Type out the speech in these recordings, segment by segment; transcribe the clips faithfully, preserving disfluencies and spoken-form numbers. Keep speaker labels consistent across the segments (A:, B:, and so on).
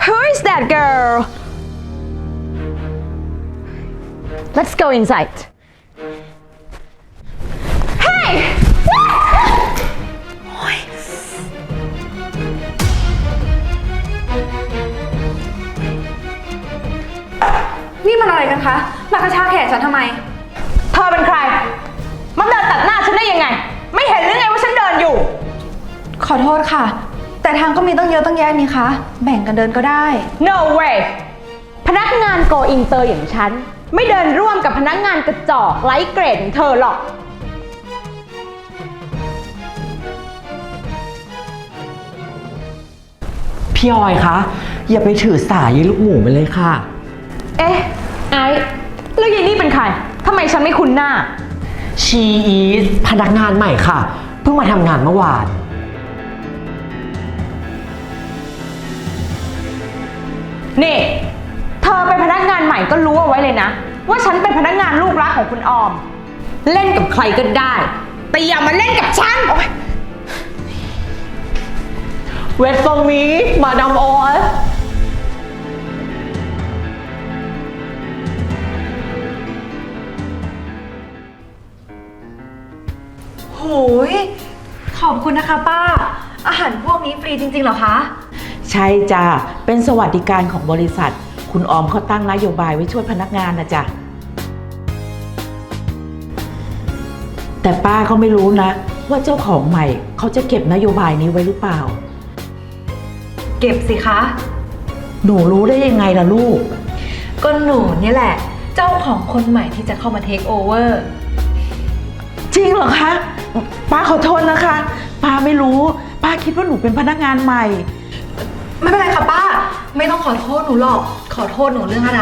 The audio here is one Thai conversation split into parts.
A: Who is that girl? Let's go inside. Hey!
B: นี่มันอะไรกันคะ มากระชากแขนฉันทำไม
A: เธอเป็นใครมาเดินตัดหน้าฉันได้ยังไง ไม่เห็นหรือไงว่าฉันเดินอยู่
B: ขอโทษค่ะ แต่ทางก็มีตั้งเยอะตั้งแยะนี่คะ แบ่งกันเดินก็ได้
A: No way พนักงานโกอินเตอร์อย่างฉัน ไม่เดินร่วมกับพนักงานกระจอกไร้เกรดอย่างเธอหรอก
C: พี่ออยคะอย่าไปถือสายยายลูกหมูไปเลยค่ะ
A: เอ๊ะ ไอ้แล้วยายนี่เป็นใครทำไมฉันไม่คุ้นหน้า
C: ชีอีสพนักงานใหม่ค่ะ เพิ่งมาทำงานเมื่อวาน
A: นี่ เธอเป็นพนักงานใหม่ก็รู้เอาไว้เลยนะ ว่าฉันเป็นพนักงานลูกรักของคุณออม เล่นกับใครก็ได้ แต่อย่ามาเล่นกับฉัน
C: เวทฟอร์มีมาดามออย
B: โหย ขอบคุณนะคะป้า อาหารพวกนี้ฟรีจริงๆเหรอคะ
D: ใช่จ้ะเป็นสวัสดิการของบริษัท คุณออมเขาตั้งนโยบายไว้ช่วยพนักงานนะจ๊ะแต่ป้าก็ไม่รู้นะ ว่าเจ้าของใหม่เขาจะเก็บนโยบายนี้ไว้หรือเปล่า
B: เก็บสิคะ
D: หนูรู้ได้ยังไงล่ะลูก
B: ก็หนูนี่แหละ เจ้าของคนใหม่ที่จะเข้ามาเทคโอเวอร์
D: จริงเหรอคะป้าขอโทษนะคะ ป้าไม่รู้ ป้าคิดว่าหนูเป็นพนักงานใหม่
B: ไม่เป็นไรค่ะป้า ไม่ต้องขอโทษหนูหรอก ขอโทษหนูเรื่องอะไร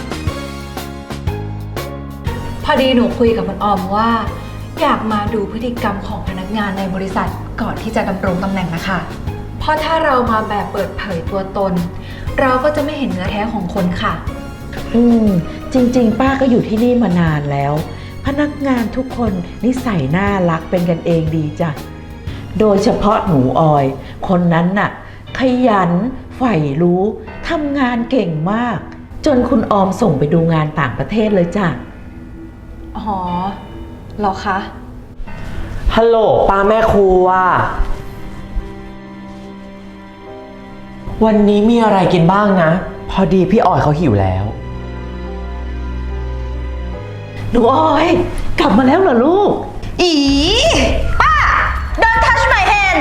B: พอดีหนูคุยกับคุณออมว่า อยากมาดูพฤติกรรมของพนักงานในบริษัทก่อนที่จะดำรงตำแหน่งนะคะเพราะถ้าเรามาแบบเปิดเผยตัวตน เราก็จะไม่เห็นเนื้อแท้ของคนค่ะ
D: อืมจริงๆ ป้าก็อยู่ที่นี่มานานแล้ว พนักงานทุกคนนิสัยน่ารักเป็นกันเองดีจ้ะโดยเฉพาะหนูออย คนนั้นน่ะ ขยันใฝ่รู้ทำงานเก่งมาก จนคุณออมส่งไปดูงานต่างประเทศเลยจ้ะ
B: อ๋อเหรอคะ
C: ฮัลโหลป้าแม่ครัว วันนี้มีอะไรกินบ้างนะ พอดีพี่ออยเขาหิวแล้ว
D: หนูออย กลับมาแล้วเหรอลูก
A: อีป้า Don't touch my hand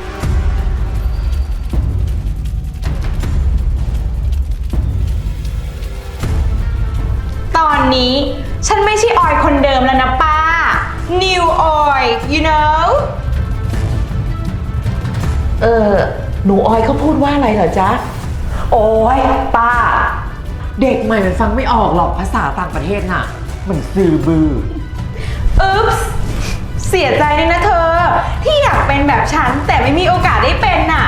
A: ตอนนี้ฉันไม่ใช่ออยคนเดิมแล้วนะป้า New oil you know
D: เออหนูออยเขาพูดว่าอะไรเหรอจ๊ะ
C: โอ้ยป้า เด็กใหม่มันฟังไม่ออกหรอกภาษาต่างประเทศน่ะ มันซื่อบือ
A: อุ๊ปส์เสียใจเลยนะเธอ ที่อยากเป็นแบบฉัน แต่ไม่มีโอกาสได้เป็นน่ะ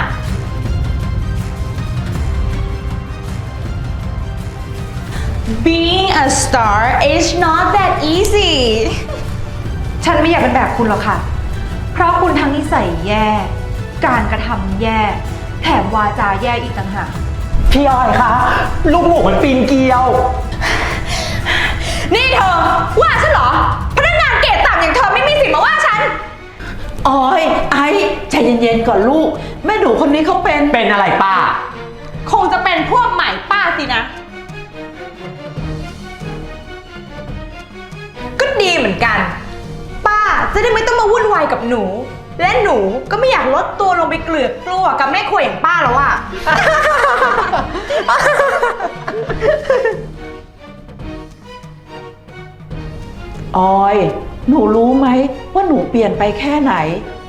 A: Being a star is not that easy
B: ฉันไม่อยากเป็นแบบคุณหรอกค่ะ เพราะคุณทั้งนิสัยแย่ การกระทำแย่ แถมวาจาแย่อีกต่างหาก
C: พี่ออยคะลูกหมูมันปีนเกลียว
A: นี่เธอ ว่าฉันเหรอ พนักงานเกรดต่ำอย่างเธอไม่มีสิทธิ์มาว่าฉัน
D: ออยไอ้ใจเย็นๆก่อนลูก แม่หนูคนนี้เขาเป็น
C: เป็นอะไรป้า
A: คงจะเป็นพวกใหม่ป้าสินะ ก็ดีเหมือนกัน ป้าจะได้ไม่ต้องมาวุ่นวายกับหนู และหนูก็ไม่อยากลดตัวลงไปเกลือกกลัวกับแม่ครัวอย่างป้าแล้วอะ
D: ออย หนูรู้ไหมว่าหนูเปลี่ยนไปแค่ไหน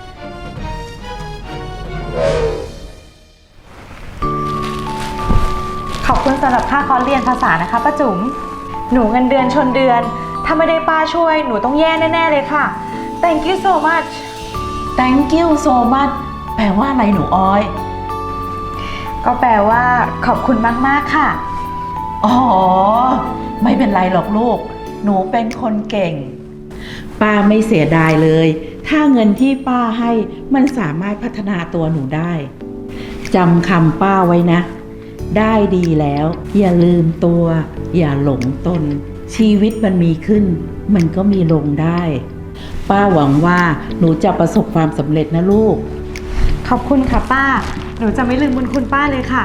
A: ขอบคุณสำหรับค่าคอร์สเรียนภาษานะคะป้าจุ๋ม หนูเงินเดือนชนเดือน ถ้าไม่ได้ป้าช่วยหนูต้องแย่แน่ๆเลยค่ะ Thank you so much
D: Thank you so much แปลว่าอะไรหนูออย
A: ก็แปลว่าขอบคุณมากๆค่ะ
D: อ๋อ ไม่เป็นไรหรอกลูก หนูเป็นคนเก่ง ป้าไม่เสียดายเลย ถ้าเงินที่ป้าให้มันสามารถพัฒนาตัวหนูได้ จำคำป้าไว้นะได้ดีแล้ว อย่าลืมตัว อย่าหลงตน ชีวิตมันมีขึ้น มันก็มีลงได้ ป้าหวังว่าหนูจะประสบความสำเร็จนะลูก
A: ขอบคุณค่ะป้า หนูจะไม่ลืมบุญคุณป้าเลยค่ะ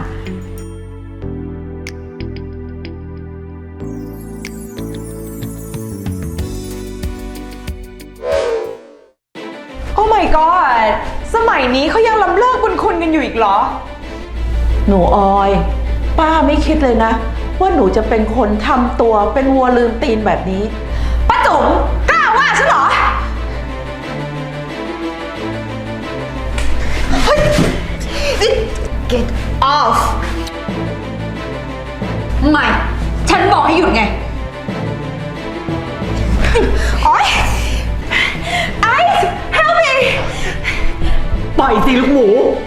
A: โอ้ my god สมัยนี้เขายังล้ำเลิกบุญคุณกันอยู่อีกเหรอ
D: หนูออย ป้าไม่คิดเลยนะ ว่าหนูจะเป็นคนทำตัวเป็นวัวลืมตีนแบบนี้
A: ป้าจุ๋มกล้าว่าฉันเหรอ เฮ้ย get off
B: ไม่ ฉันบอกให้หยุดไง
A: โอ๊ย Ice help me
C: ปล่อยสิลูกหมู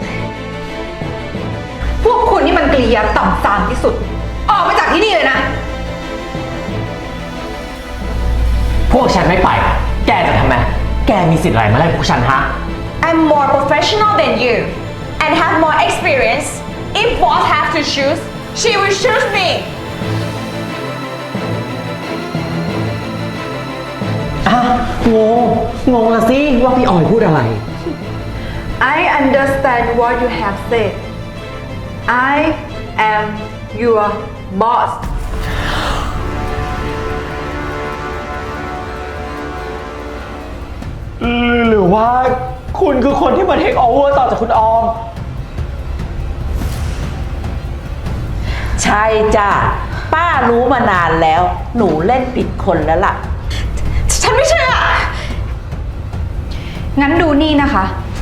B: พวกคุณนี่มันกริยาต่ำซามที่สุด ออกไปจากที่นี่เลยนะ
C: พวกฉันไม่ไป แกจะทำไม แกมีสิทธิ์อะไรมาไล่พวกฉันฮะ
A: I'm more professional than you and have more experience. If boss have to choose, she will choose me.
C: อ่ะงง งงละสิ ว่าพี่ออยพูดอะไร
B: I understand what you have said. I am your boss.
C: หรือว่าคุณคือคนที่มาเทคโอเวอร์ต่อจากคุณออม
D: ใช่จ้ะ ป้ารู้มานานแล้ว หนูเล่นผิดคนแล้วล่ะ
A: ฉันไม่เชื่อ
B: งั้นดูนี่นะคะ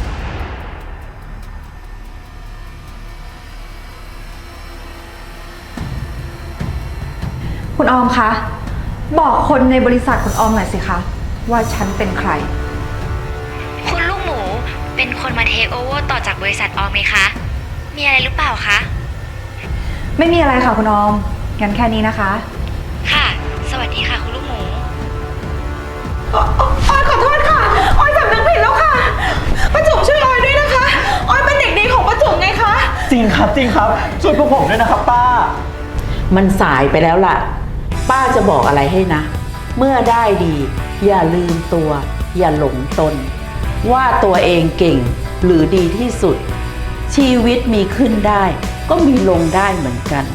B: คุณออมคะ บอกคนในบริษัทคุณออมหน่อยสิคะ ว่าฉันเป็นใคร
E: คุณลูกหมูเป็นคนมาเทคโอเวอร์ต่อจากบริษัทออมไหมคะ มีอะไรหรือเปล่าคะ
B: ไม่มีอะไรค่ะคุณออม งั้นแค่นี้นะคะ
E: ค่ะ สวัสดีค่ะคุณลูกหมู
A: ออยขอโทษค่ะ ออยสำนึกผิดแล้วค่ะป้าจุ๋มช่วยออยด้วยนะคะ ออยเป็นเด็กดีของป้าจุ๋มไงคะ
C: จริงครับจริงครับ ช่วยพวกผมด้วยนะครับป้า
D: มันสายไปแล้วล่ะ ป้าจะบอกอะไรให้นะ เมื่อได้ดี อย่าลืมตัว อย่าหลงตน ว่าตัวเองเก่งหรือดีที่สุด ชีวิตมีขึ้นได้ ก็มีลงได้เหมือนกัน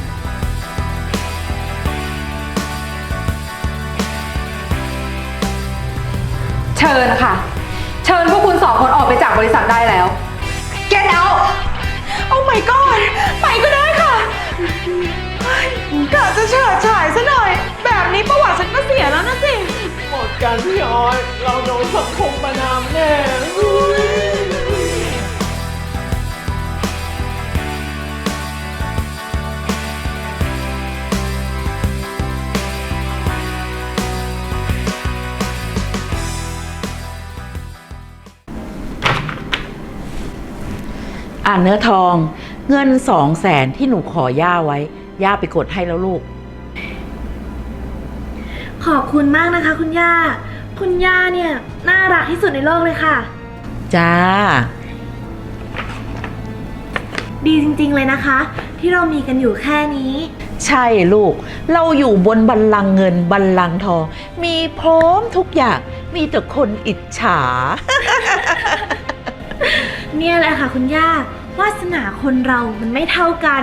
B: เชิญค่ะ เชิญพวกคุณสองคนออกไปจากบริษัทได้แล้ว Get out
A: โอ้ my god ไปก็ได้ค่ะเฮ้ยกะจะเฉิดฉายซะหน่อย แบบนี้ประวัติฉันก็เสียแล้วนะสิ
C: หมดกันพี่ออย เราโดนสังคมประนามแน่อุ๊ย
D: อ่านเนื้อทอง เงินสองแสนที่หนูขอย่าไว้ ย่าไปกดให้แล้วลูก
F: ขอบคุณมากนะคะคุณย่า คุณย่าเนี่ยน่ารักที่สุดในโลกเลยค่ะ
D: จ้า
F: ดีจริงๆเลยนะคะ ที่เรามีกันอยู่แค่นี้
D: ใช่ลูก เราอยู่บนบัลลังก์เงินบัลลังก์ทอง มีพร้อมทุกอย่าง มีแต่คนอิจฉา
F: เนี่ยแหละค่ะคุณย่าวาสนาคนเรามันไม่เท่ากัน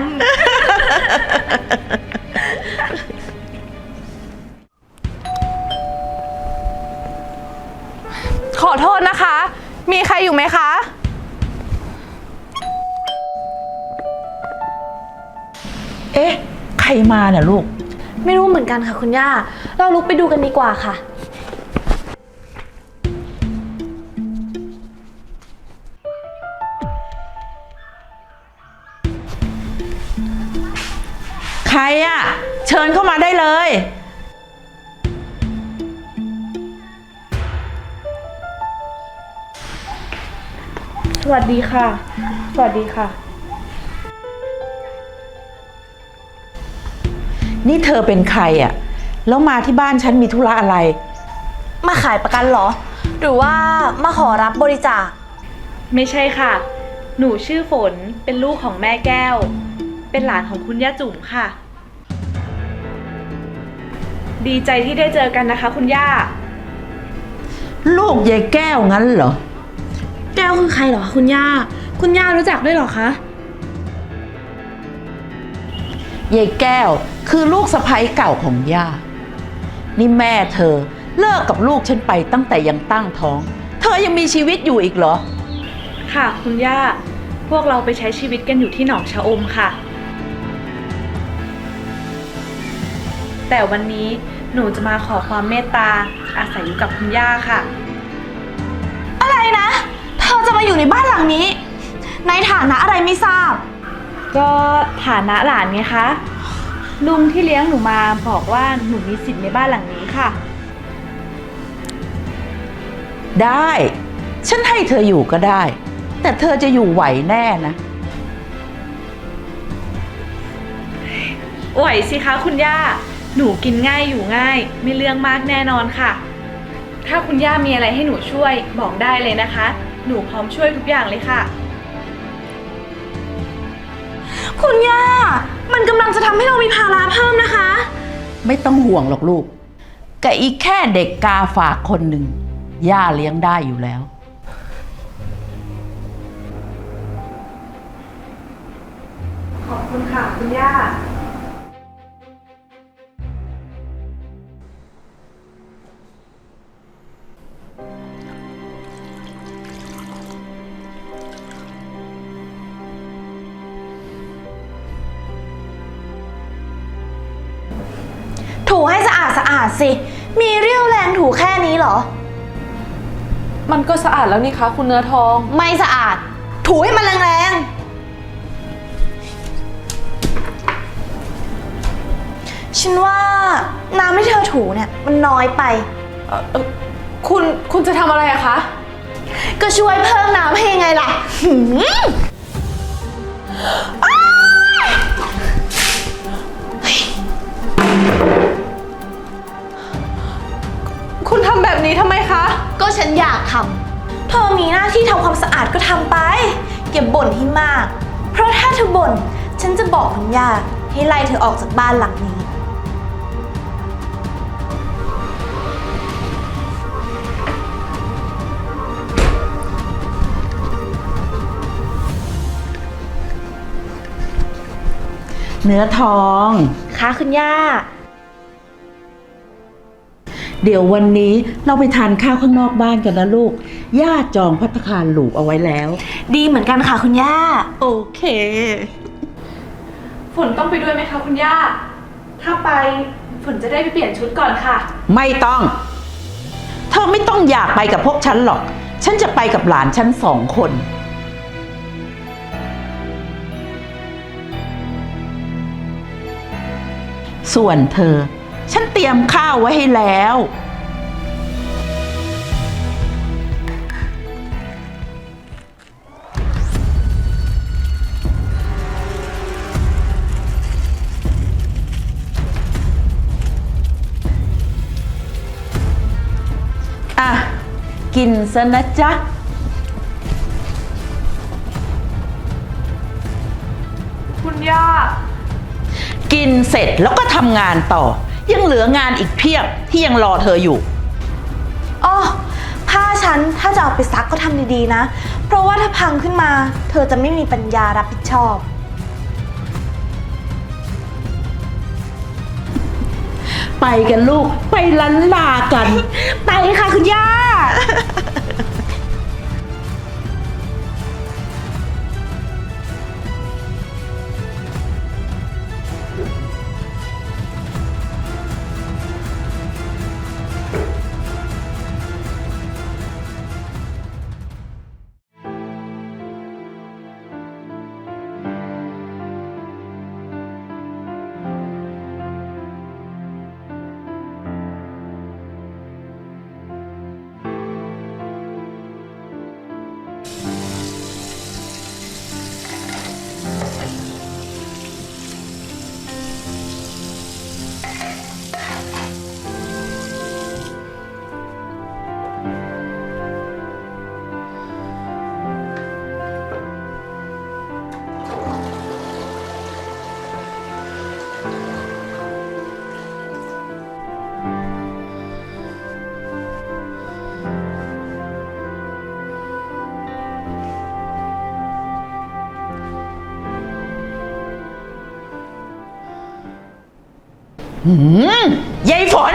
A: ขอโทษนะคะ มีใครอยู่ไหมคะ
D: เอ๊ะ ใครมาน่ะลูก
F: ไม่รู้เหมือนกันค่ะคุณย่า เราลุกไปดูกันดีกว่าค่ะ
D: ใครอะ เชิญเข้ามาได้เลย
F: สวัสดีค่ะ สวัสดีค่ะ
D: นี่เธอเป็นใครอะ แล้วมาที่บ้านฉันมีธุระอะไร
F: มาขายประกันเหรอ หรือว่ามาขอรับบริจาค
G: ไม่ใช่ค่ะ หนูชื่อฝน เป็นลูกของแม่แก้ว
F: เป็นหลานของคุณย่าจุ๋มค่ะ ดีใจที่ได้เจอกันนะคะ คุณย่า
D: ลูกยายแก้วงั้นเหรอ
F: แก้วคือใครเหรอคะคุณย่า คุณย่ารู้จักด้วยเหรอคะ
D: ยายแก้วคือลูกสะใภ้เก่าของย่า นี่แม่เธอเลิกกับลูกฉันไปตั้งแต่ยังตั้งท้อง เธอยังมีชีวิตอยู่อีกเหรอ
F: ค่ะ คุณย่า พวกเราไปใช้ชีวิตกันอยู่ที่หนองชะอมค่ะ แต่วันนี้หนูจะมาขอความเมตตาอาศัยอยู่กับคุณย่าค่ะ
G: อะไรนะ เธอจะมาอยู่ในบ้านหลังนี้ ในฐานะอะไรไม่ทราบ
F: ก็ฐานะหลานไงคะ ลุงที่เลี้ยงหนูมาบอกว่าหนูมีสิทธิ์ในบ้านหลังนี้ค่ะ
D: ได้ ฉันให้เธออยู่ก็ได้ แต่เธอจะอยู่ไหวแน่นะ
F: ไหวสิคะคุณย่า หนูกินง่ายอยู่ง่าย ไม่เรื่องมากแน่นอนค่ะ ถ้าคุณย่ามีอะไรให้หนูช่วยบอกได้เลยนะคะ หนูพร้อมช่วยทุกอย่างเลยค่ะ
G: คุณย่า มันกำลังจะทำให้เรามีภาระเพิ่มนะคะ
D: ไม่ต้องห่วงหรอกลูกกับอีกแค่เด็กกาฝากคนหนึ่งย่าเลี้ยงได้อยู่แล้ว
F: ขอบคุณค่ะคุณย่า
G: ถูให้สะอาดสะอาดสิ มีเรี่ยวแรงถูแค่นี้เหรอ
H: มันก็สะอาดแล้วนี่คะคุณเนื้อทอง
G: ไม่สะอาด ถูให้มันแรงๆ ฉันว่าน้ำที่เธอถูเนี่ยมันน้อยไป
H: เอ่อเอ่อคุณคุณจะทำอะไรอะคะ
G: ก็ช่วยเพิ่มน้ำให้ยังไงล่ะหืมอ้าย
H: คุณทำแบบนี้ทำไมคะ
G: ก็ฉันอยากทำ เธอมีหน้าที่ทำความสะอาดก็ทำไปอย่าบ่นให้มาก เพราะถ้าเธอบ่นฉันจะบอกคุณย่าให้ไล่เธอออกจากบ้านหลังนี้
D: เนื้อทอง
G: ค่ะคุณย่า
D: เดี๋ยววันนี้เราไปทานข้าวข้างนอกบ้านกันนะลูก ย่าจองภัตตาคารหรูเอาไว้แล้ว
G: ดีเหมือนกันค่ะคุณย่า
D: โอเค
F: ฝนต้องไปด้วยไหมคะคุณย่า ถ้าไปฝนจะได้ไปเปลี่ยนชุดก่อนค่ะ
D: ไม่ต้อง เธอไม่ต้องอยากไปกับพวกฉันหรอก ฉันจะไปกับหลานฉันสองคน ส่วนเธอ ฉันเตรียมข้าวไว้ให้แล้ว อ่ะ กินซะนะจ๊ะ
F: คุณย่า
D: กินเสร็จแล้วก็ทำงานต่อ ยังเหลืองานอีกเพียบที่ยังรอเธออยู่
G: อ๋อ ผ้าฉันถ้าจะเอาไปซักก็ทำดีๆนะ เพราะว่าถ้าพังขึ้นมา เธอจะไม่มีปัญญารับผิดชอบ
D: ไปกันลูก ไปลันลากัน
G: ไปค่ะคุณย่า
D: หืมยายฝน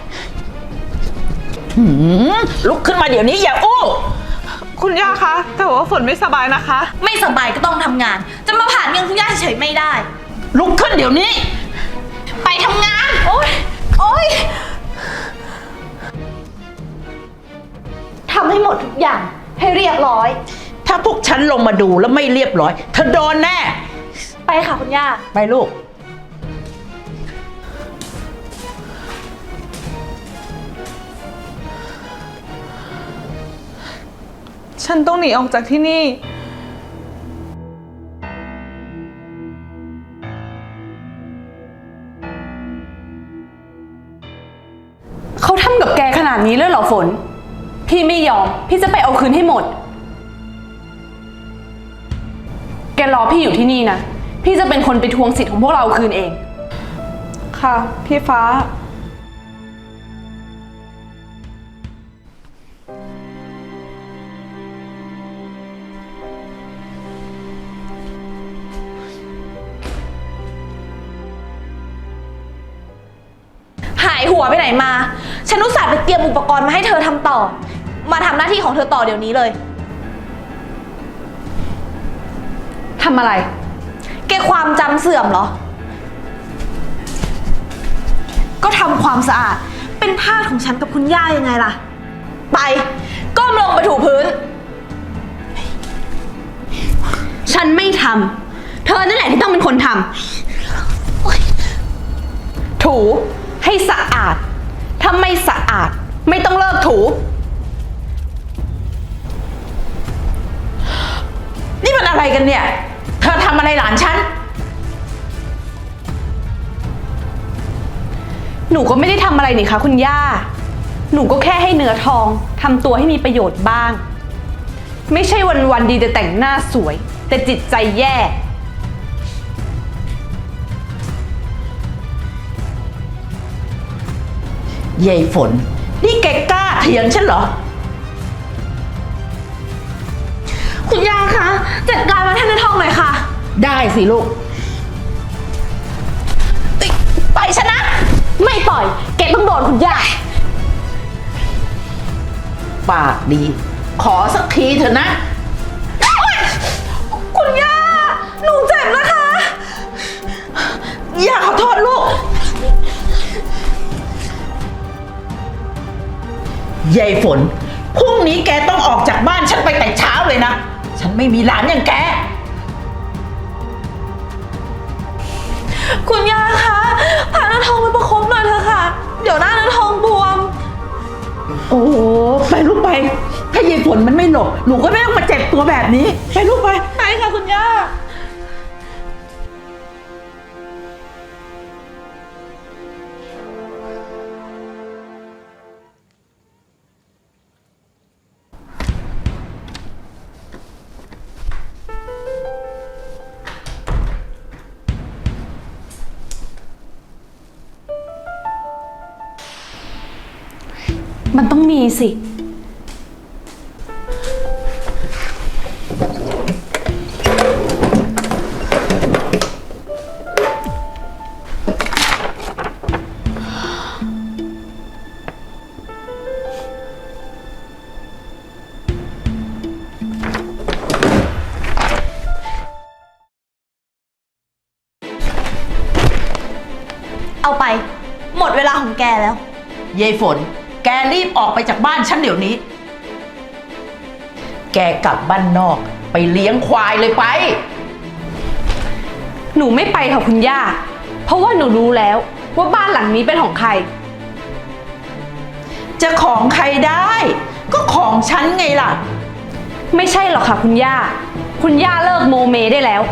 D: หืมลุกขึ้นมาเดี๋ยวนี้อย่าอู้
F: คุณย่าคะ แต่ว่าฝนไม่สบายนะคะ
G: ไม่สบายก็ต้องทำงาน จะมาผ่านเงินคุณย่าเฉยๆไม่ได้
D: ลุกขึ้นเดี๋ยวนี้
G: ไปทำงาน โอ๊ย โอ๊ยทำให้หมดทุกอย่างให้เรียบร้อย
D: ถ้าพวกฉันลงมาดูแล้วไม่เรียบร้อยเธอโดนแน่
G: ไปค่ะคุณย่า
D: ไปลูก
F: ฉันต้องหนีออกจากที่นี่
H: เขาทำกับแกขนาดนี้เลยเหรอฝน พี่ไม่ยอม พี่จะไปเอาคืนให้หมด แกรอพี่อยู่ที่นี่นะ พี่จะเป็นคนไปทวงสิทธิ์ของพวกเราคืนเอง
F: ค่ะ พี่ฟ้า
G: หายหัวไปไหนมา ฉันอุตส่าห์ไปเตรียมอุปกรณ์มาให้เธอทำต่อ มาทำหน้าที่ของเธอต่อเดี๋ยวนี้เลย
H: ทำอะไร
G: แกความจำเสื่อมเหรอ ก็ทำความสะอาด เป็นทาสของฉันกับคุณย่ายังไงล่ะ ไป ก้มลงไปถูพื้น
H: ฉันไม่ทำ เธอนั่นแหละที่ต้องเป็นคนทำ ถูให้สะอาด ถ้าไม่สะอาด ไม่ต้องเลิกถู
D: นี่มันอะไรกันเนี่ย เธอทำอะไรหลานฉัน
H: หนูก็ไม่ได้ทำอะไรนี่คะคุณย่า หนูก็แค่ให้เนื้อทองทำตัวให้มีประโยชน์บ้าง ไม่ใช่วันๆดีแต่แต่งหน้าสวย แต่จิตใจแย่
D: ยายฝน นี่แกกล้าเถียงฉันเหรอ
G: คุณย่าคะ จัดการมาให้ในท้องหน่อยค่ะ
D: ได้สิลูก
G: ปล่อยฉันนะ ไม่ปล่อย แกต้องโดนคุณย่า
D: ปากดี ขอสักทีเถอะนะ
G: คุณย่า หนูเจ็บนะคะ
D: อย่าขอโทษลูก ยายฝน พรุ่งนี้แกต้องออกจากบ้านฉันไปแต่เช้าเลยนะ ฉันไม่มีหลานอย่างแก
G: คุณย่าคะพาเนื้อทองไปประคบหน่อยเถอะค่ะ เดี๋ยวหน้าเนื้อทองบวม
D: โอ้โหไปลูกไป ถ้ายายฝนมันไม่หลบหนูก็ไม่ต้องมาเจ็บตัวแบบนี้ ไปลูกไป
G: ไปค่ะคุณย่า
H: มันต้องมีสิ
G: เอาไป หมดเวลาของแกแล้ว
D: ยายฝน แกรีบออกไปจากบ้านฉันเดี๋ยวนี้ แกกลับบ้านนอกไปเลี้ยงควายเลยไป
H: หนูไม่ไปค่ะคุณย่า เพราะว่าหนูรู้แล้วว่าบ้านหลังนี้เป็นของใคร
D: จะของใครได้ ก็ของฉันไงล่ะ
H: ไม่ใช่หรอกค่ะคุณย่า คุณย่าเลิกโมเมได้แล้ว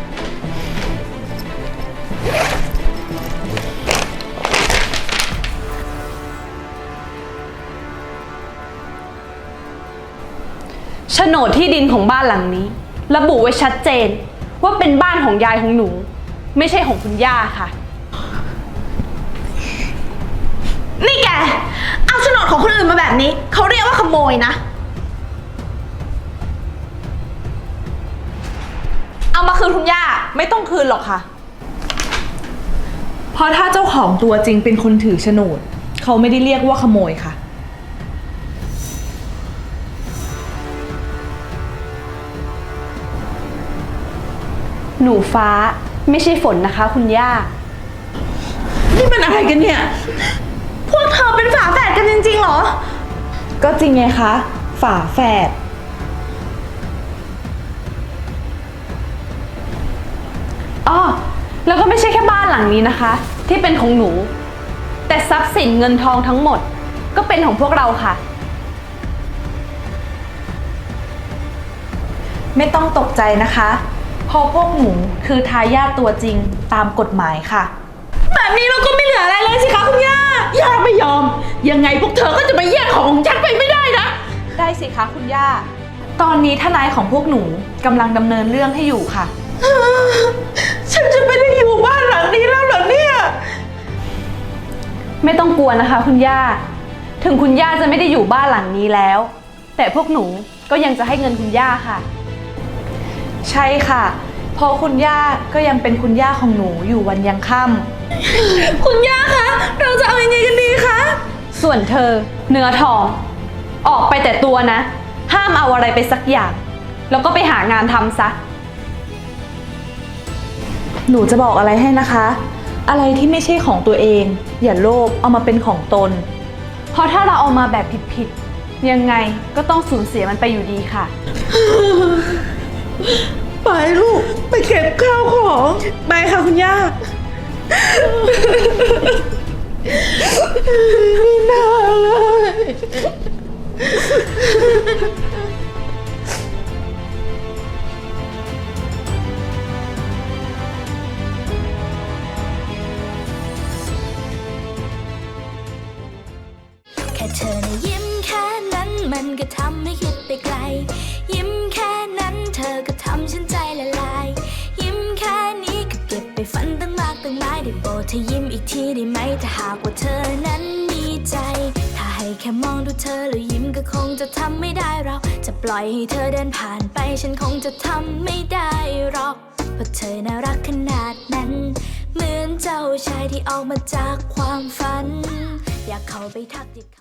H: โฉนดที่ดินของบ้านหลังนี้ ระบุไว้ชัดเจนว่าเป็นบ้านของยายของหนู ไม่ใช่ของคุณย่าค่ะ
G: นี่แก เอาโฉนดของคนอื่นมาแบบนี้ เขาเรียกว่าขโมยนะ เอามาคืนคุณย่า
F: ไม่ต้องคืนหรอกค่ะ
G: พ
F: เพราะถ้าเจ้าของตัวจริงเป็นคนถือโฉนด เขาไม่ได้เรียกว่าขโมยค่ะ
H: หนูฟ้าไม่ใช่ฝนนะคะ คุณย่า
F: นี่มันอะไรกันเนี่ย
G: พวกเธอเป็นฝาแฝดกันจริงๆเหรอ
F: ก็จริงไงคะ ฝาแฝดอ้อแล้วก็ไม่ใช่แค่บ้านหลังนี้นะคะ ที่เป็นของหนู แต่ทรัพย์สินเงินทองทั้งหมด ก็เป็นของพวกเราค่ะ ไม่ต้องตกใจนะคะเพราะพวกหนูคือทายาทตัวจริงตามกฎหมายค่ะ
G: แบบนี้เราก็ไม่เหลืออะไรเลยสิคะคุณย่า
D: ย่าไม่ยอม ยังไงพวกเธอก็จะมาแย่งของของฉันไปไม่ได้นะ
F: ได้สิคะคุณย่า ตอนนี้ทนายของพวกหนูกำลังดำเนินเรื่องให้อยู่ค่ะ
D: ฉันจะไม่ได้อยู่บ้านหลังนี้แล้วเหรอเนี่ย
F: ไม่ต้องกลัวนะคะคุณย่า ถึงคุณย่าจะไม่ได้อยู่บ้านหลังนี้แล้ว แต่พวกหนูก็ยังจะให้เงินคุณย่าค่ะ ใช่ค่ะ เพราะคุณย่าก็ยังเป็นคุณย่าของหนูอยู่วันยังค่ำ
G: คุณย่าคะ เราจะเอายังไงกันดีคะ
F: ส่วนเธอเนื้อทอง ออกไปแต่ตัวนะ ห้ามเอาอะไรไปสักอย่าง แล้วก็ไปหางานทำซะ หนูจะบอกอะไรให้นะคะ อะไรที่ไม่ใช่ของตัวเอง อย่าโลภเอามาเป็นของตน เพราะถ้าเราเอามาแบบผิดๆยังไงก็ต้องสูญเสียมันไปอยู่ดีค่ะ
D: ไปลูก ไปเก็บข้าวของ
F: ไปค่ะคุณย่า
D: ไม่น่าเลย
I: แค่เธอนะยิ้มแค่นั้นมันก็ทำให้คิดไปไกล ยิ้มแค่นั้นเธอก็ทำฉันใจละลาย ยิ้มแค่นี้ก็เก็บไปฝันตั้งมากตั้งหลายได้โปรดเธอยิ้มอีกทีได้ไหมถ้าหากว่าเธอนั้นมีใจ ถ้าให้แค่มองดูเธอแล้วยิ้มก็คงจะทำไม่ได้เราจะปล่อยให้เธอเดินผ่านไปฉันคงจะทำไม่ได้หรอกเพราะเธอน่ารักขนาดนั้นเหมือนเจ้าชายที่ออกมาจากความฝันอยากเข้าไปทักทิ